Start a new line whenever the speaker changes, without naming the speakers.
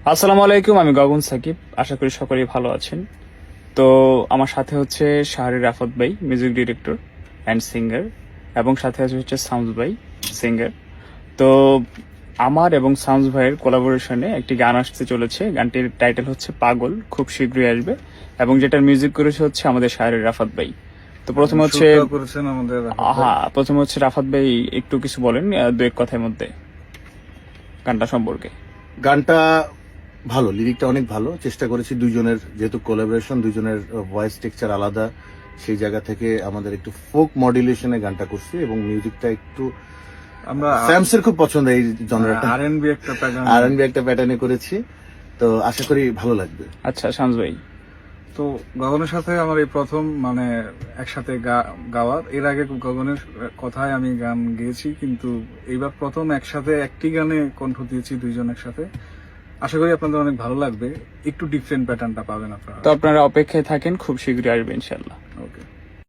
আসসালামু আলাইকুম, আমি গগন সাকিব। আশা করি সকলেই ভালো আছেন। তো আমার সাথে হচ্ছে শাহরি রাফত ভাই, মিউজিক ডিরেক্টর অ্যান্ড সিঙ্গার, এবং সাথে আছে হচ্ছে সাউন্স ভাই, সিঙ্গার। তো আমার এবং সাউন্স ভাইয়ের কোলাবোরেশনে একটি গান আসতে চলেছে। গানটির টাইটেল হচ্ছে পাগল, খুব শীঘ্রই আসবে, এবং যেটার মিউজিক করেছে হচ্ছে আমাদের শাহরি রাফত ভাই। তো প্রথমে হচ্ছে
করেছেন আমাদের
প্রথমে হচ্ছে রাফাত ভাই একটু কিছু বলেন দু এক কথার মধ্যে গানটা সম্পর্কে।
গানটা ভালো, লিরিকটা অনেক ভালো। চেষ্টা করেছি দুইজনের, যেহেতু কোলাবোরেশন, দুইজনের ভয়েস টেক্সচার আলাদা, সেই জায়গা থেকে আমাদের একটু ফোক মডুলেশনে গানটা করছি, এবং মিউজিকটা একটু
আমরা
স্যামসের খুব পছন্দ এই জনরাটা,
আরএনবি একটা প্যাটার্ন
আর&বি একটা প্যাটার্নে করেছি। তো আশা করি ভালো লাগবে।
আচ্ছা শামস ভাই।
তো গগনের সাথে আমার এই প্রথম একসাথে গাওয়ার। এর আগে গগনের কথায় আমি গান গেয়েছি, কিন্তু এইবার প্রথম একসাথে একটি গানে কণ্ঠ দিয়েছি দুইজন একসাথে। আশা করি আপনাদের অনেক ভালো লাগবে, একটু ডিফারেন্ট প্যাটার্নটা পাবেন আপনারা।
তো আপনারা অপেক্ষায় থাকেন, খুব শীঘ্রই আসবে ইনশাল্লাহ।